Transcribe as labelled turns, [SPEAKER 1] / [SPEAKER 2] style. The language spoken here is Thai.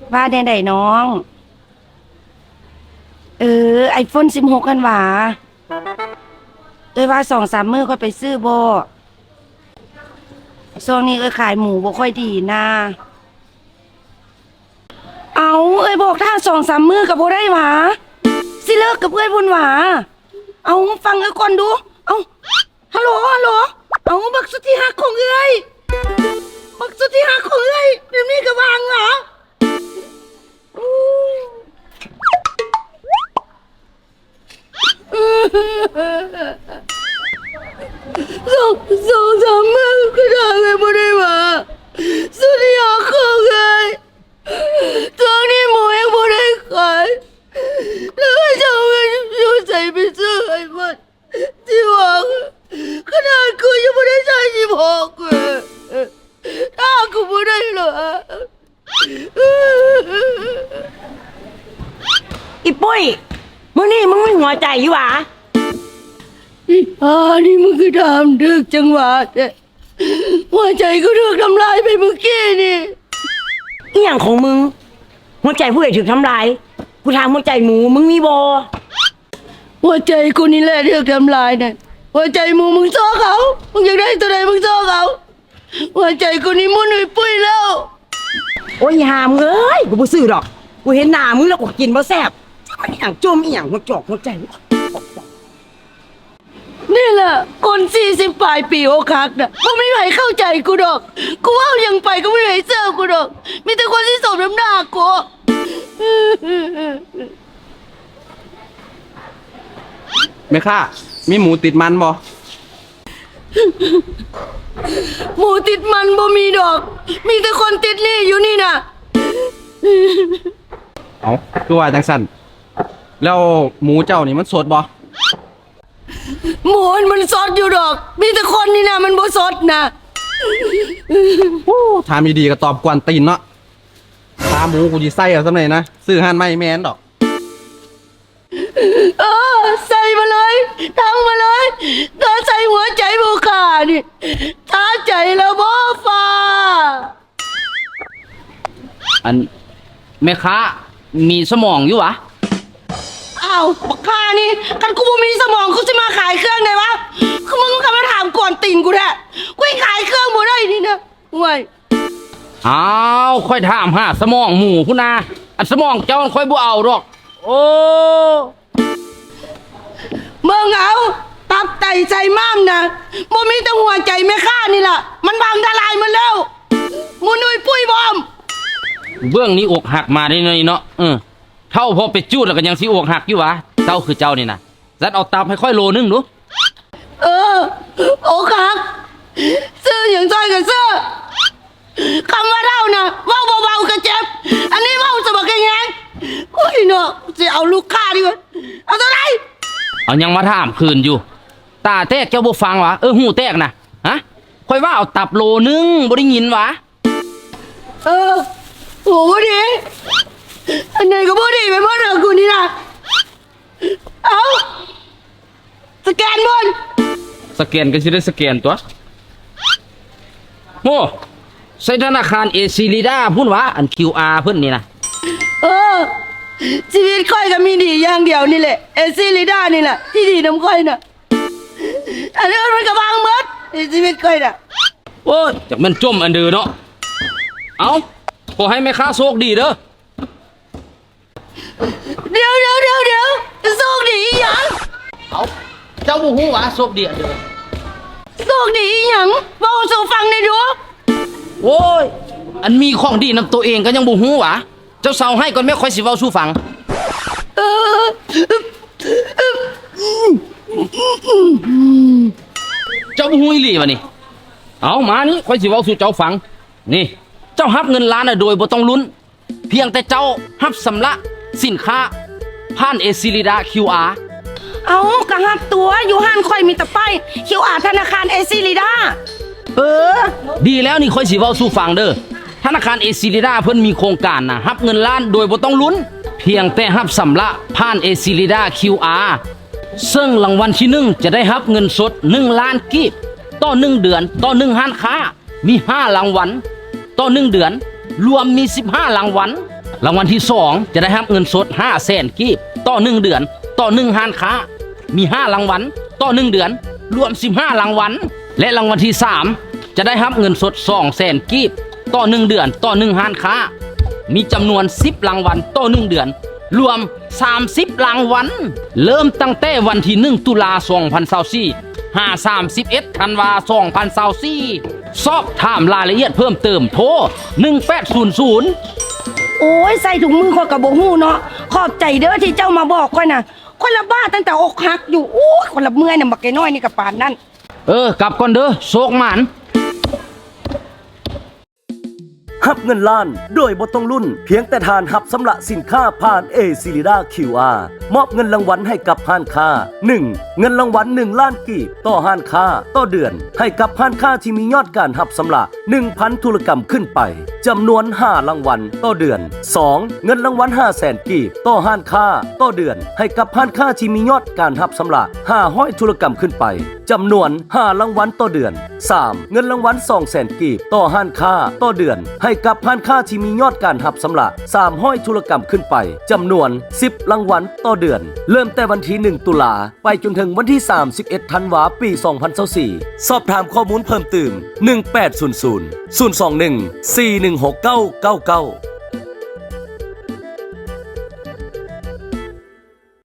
[SPEAKER 1] ว่าใดๆน้องiPhone 16กันหว่าว่า2-3 มื้อค่อยไปซื้อบ่ช่วงนี้ขายหมูบ่ค่อยดีนะเอาบอกถ้า2-3 มื้อก็บ่ได้หว่าสิเลิกกับพุ่นหว่าเอาฟังก่อนดูเอาฮัลโหลเอาบักสุดที่ฮักของบักสุดที่ฮักของเดี๋ยวนี้ก็วางเหรอ2-3 มื้อก็ได้บ่ได้หว่าสุดที่ฮักของตอนนี้หมูยังบ่ได้ขายแล้วจะเอาเงินอยู่ใส่ไปซื้อiPhoneที่วางขนาดกูยังไม่ได้ใช้16ถ้ากูไม่ได้เหรอ
[SPEAKER 2] อีปุ้ยมึงนี่มึงไม่หัวใจอยู่หวะ
[SPEAKER 1] นี่มึงคือทำดึกจังหวะเนี่ยหัวใจกูถูกทำลายไปเมื่อกี้นี่
[SPEAKER 2] อีหยังของมึงหัวใจผู้ใหญ่ถูกทำลายกูถามหัวใจหมูมึงมีบ่
[SPEAKER 1] หัวใจกูนี่แหละถูกทำลายเนี่ยหัวใจหมูมึงซ้อเขามึงอยากได้ตัวใดมึงซ้อเขาหัวใจกูนี่มุ่นไปปุ้ยแล้ว
[SPEAKER 2] โอ้ยหามเอ้ยกูบ่ซื้อดอกกูเห็นหน้ามึงแล้วกูกินบ่แซ่บอีหยังจมอีหยังหัวจอกหัวใจ
[SPEAKER 1] นี่แหละคน40 ปลายปีโอคักน่ะไม่มีใครเข้าใจกูดอกกูว่ายังไปก็ไม่มีใครเชื่อกูดอกมีแต่คนที่สมน้ำหน้ากู
[SPEAKER 3] แม่ค้ามีหมูติดมันบ่
[SPEAKER 1] หมูติดมันบ่มีดอกมีแต่คนติดนี่อยู่นี่น่ะ
[SPEAKER 3] เอาคือว่าจังสั่นแล้วหมูเจ้านี่มันสดบ่
[SPEAKER 1] หมูมันสดอยู่ดอกมีแต่คนนี่น่ะมันบ่สดนะ
[SPEAKER 3] ถามดีๆก็ตอบกวนตีนเนาะตาหมูกูสิใส่เอาซำไหนนะซื้อหั่นไม่แม่นดอก
[SPEAKER 1] ใส่มาเลยทั้งมาเลยถ้าใส่หัวใจบุขานี่ถ้าใจแล้วบ่ฟ้า
[SPEAKER 4] อันแม่ค้ามีสมองอยู่วะ
[SPEAKER 1] อ้าวบักข้านี่กันกูบ่มีสมองกูจะมาขายเครื่องได้วะคือมึงก็มาถามก่อนติ่งกูแท้กูขายเครื่องบ่ได้นี่นะห่วย
[SPEAKER 4] อ้าวค่อยถามหาสมองหมูพุ่นนาอันสมองเจ้าค่อยบ่เอาดอกโอ้
[SPEAKER 1] มึงเอาตับไตใจม้ามนะบ่มีแต่หัวใจแม่ข้านี่ล่ะมันบางทลายมันแล้วมูนุยปุ้ยบอม
[SPEAKER 4] เบื้องนี้อกหักมาได้หน่อยเนาะเท่าพอไปจูดแล้วก็ยังสิอกหักอยู่วะเจ้าคือเจ้านี่นะจัดเอาตับให้ค่อยโลนึงดู
[SPEAKER 1] อกหักซื้ออย่างจ้อยกับซื้อคำว่าเท่านะเว้าเบาๆก็เจ็บอันนี้เว้าสะบักแงงโอ้ยเนาะจะเอาลูกค้าดีกว่าเอาเท่าไหร่
[SPEAKER 4] เอายังมาถามคืนอยู่ตาแตกเจ้าบ่ฟังวะหูแตกนะฮะค่อยว่าเอาตับโลนึงบ่ได้ยินวะ
[SPEAKER 1] โหดีอันไหนก็บ่ดีไปหมดเลยกูนี่นะเอาสแกนบน
[SPEAKER 4] สแกนก็สิได้สแกนตัวโอ้ใช้ธนาคารเอซิลิดาพุ่นวะอัน QR เพิ่นนี่นะ
[SPEAKER 1] ชีวิตค่อยก็มีดีอย่างเดียวนี่แหละเอซิลิดานี่แหละที่ดีน้ำค่อยน่ะอันนี้มันก็บางหมดชีวิตค่อยน่ะ
[SPEAKER 4] โอ้ยจากมันจมอันเดือเนาะเอาขอให้แม่ค้าโชคดีเด้อ
[SPEAKER 1] เดี๋ยวโชคดีอีหยัง
[SPEAKER 4] เอาเจ้าบ่ฮู้ว่าโชคดีอันเด้อ
[SPEAKER 1] โชคดีอีหยังเว้าสู่ฟังได้ดู
[SPEAKER 4] โอ้ยอันมีของดีนำตัวเองก็ยังบ่ฮู้วะเจ้าเซาให้ก่อนแม่ค่อยสิเว้าสู่ฟังเจ้าบ่ฮู้อีหลีวะนี่เอามานี่ค่อยสิเว้าสู่เจ้าฟังนี่เจ้ารับเงินล้านโดยบ่ต้องลุ้นเพียงแต่เจ้ารับสำระสินค้าผ่านเอซิลิดา QR
[SPEAKER 1] เอากระหับตัวอยู่ห้านค่อยมีแต่ป้าย QR ธนาคารเอซิลิดา
[SPEAKER 4] ดีแล้วนี่ค่อยสิเว้าสู่ฟังเด้อธนาคารเอซิลิดาเพิ่นมีโครงการนะรับเงินล้านโดยบ่ต้องลุ้นเพียงแต่รับสำระผ่านเอซิลิดา QR ซึ่งรางวัลที่1จะได้รับเงินสด1 ล้านกีบต่อ1เดือนต่อ1ห้านค้ามี5รางวัลต่อ1เดือนรวมมี15รางวัลรางวัลที่ 2 จะได้รับเงินสด 500,000 กีบต่อ 1 เดือนต่อ 1 ห้านค้า มี 5 รางวัลต่อ 1 เดือน รวม 15 รางวัล และรางวัลที่ 3 จะได้รับเงินสด 200,000 กีบต่อ 1 เดือนต่อ 1 ห้านค้า มีจำนวน 10 รางวัลต่อ 1 เดือน รวม 30 รางวัล เริ่มตั้งแต่วันที่ 1 ตุลา2024 31 ธันวา2024 สอบถามรายละเอียดเพิ่มเติมโทร 1800
[SPEAKER 2] โอ้ยใส่ถุงมือคนกับโบหูเนาะขอบใจเด้อที่เจ้ามาบอกค่อยนะคนละบ้าตั้งแต่อกหักอยู่โอ้ยคนละเมื่อยน่ะบักไก่น้อยนี่กับปานนั่น
[SPEAKER 4] กลับก่อนเด้อโชคหมาน
[SPEAKER 5] หับเงินล้านโดยบ่ต้องลุ้นเพียงแต่ทานหับสำหรับสินค้าผ่าน A c i l i d a QR มอบเงินรางวัลให้กับห้านค้า 1. เงินรางวัล1 ล้านกีบต่อห้านค้าต่อเดือนให้กับห้านค้าที่มียอดการหับสำหรับ 1,000 ธุรกรรมขึ้นไปจำนวน5รางวัลต่อเดือน 2. เงินรางวัล 500,000 กีบต่อห้านค้าต่อเดือนให้กับห้านค้าที่มียอดการหับสำหรับ500ธุรกรรมขึ้นไปจำนวน5รางวัลต่อเดือน 3. เงินรางวัล 200,000 กีบต่อห้านค้าต่อเดือนให้กับห้านค้าที่มียอดการหับสำหรับ300ธุรกรรมขึ้นไปจำนวน10รางวัลต่อเดือนเริ่มแต่วันที่1ตุลาไปจนถึงวันที่31ธันวาปี2024สอบถามข้อมูลเพิ่มเติม1800 021 416999